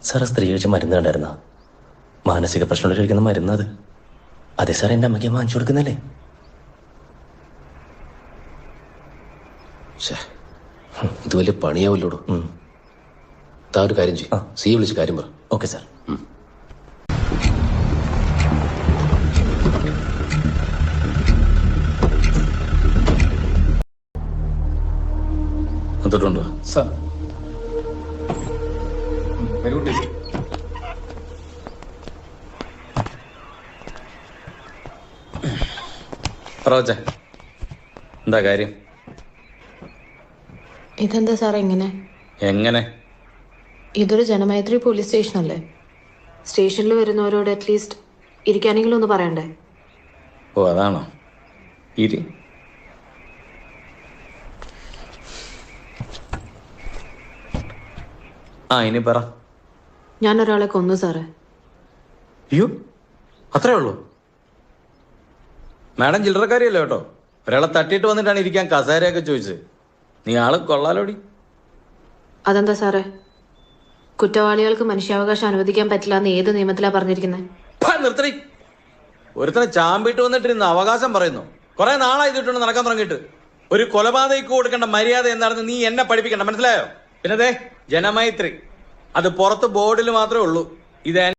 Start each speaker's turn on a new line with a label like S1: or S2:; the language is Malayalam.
S1: സാറ് സ്ത്രീ കഴിച്ച മരുന്ന് കണ്ടായിരുന്ന മാനസിക പ്രശ്നങ്ങൾ കഴിക്കുന്ന മരുന്ന് അത്? അതെ സാർ, എൻ്റെ അമ്മയ്ക്ക് വാങ്ങിച്ചു കൊടുക്കുന്നല്ലേ.
S2: ഇത് വലിയ പണിയാവില്ലോടോ. താ ഒരു കാര്യം ചെയ്യും, സിയെ വിളിച്ച് കാര്യം പറ.
S1: Okay sir.
S2: എന്നിട്ടുണ്ടോ
S3: സാർ?
S4: എന്താ കാര്യം?
S5: ഇതെന്താ സാർ എങ്ങനെ?
S4: എങ്ങനെ?
S5: ഇതൊരു ജനമൈത്രി പോലീസ് സ്റ്റേഷൻ അല്ലേ? സ്റ്റേഷനിൽ വരുന്നവരോട് അറ്റ്ലീസ്റ്റ് ഇരിക്കാനെങ്കിലും ഒന്ന് പറയണ്ടേ?
S4: ഓ അതാണോ? ഇരി. ഇനി പറ.
S5: ഞാൻ ഒരാളെ കൊന്നു സാറേ.
S4: അയ്യോ, അത്രേ ഉള്ളൂ? മാഡം ചില്ലറക്കാരിയല്ലോ കേട്ടോ. ഒരാളെ തട്ടിയിട്ട് വന്നിട്ടാണ് ഇരിക്കാൻ കസേരയൊക്കെ ചോദിച്ചത്. നീ ആള് കൊള്ളാലോടി.
S5: അതെന്താ സാറേ? കുറ്റവാളികൾക്ക് മനുഷ്യാവകാശം അനുവദിക്കാൻ പറ്റില്ല എന്ന് ഏത് നിയമത്തിലാ പറഞ്ഞിരിക്കുന്നത്?
S4: നിർത്തി. ഒരുത്തനെ ചാമ്പിട്ട് വന്നിട്ട് ഇന്ന് അവകാശം പറയുന്നു. കുറെ നാളായി ഇതിട്ടുണ്ട് നടക്കാൻ തുടങ്ങിയിട്ട്. ഒരു കൊലപാതകയ്ക്ക് കൊടുക്കേണ്ട മര്യാദ എന്താണെന്ന് നീ എന്നെ പഠിപ്പിക്കണ്ട, മനസ്സിലായോ? പിന്നെ ജനമൈത്രി അത് പുറത്ത് ബോർഡിൽ മാത്രമേ ഉള്ളൂ. ഇത്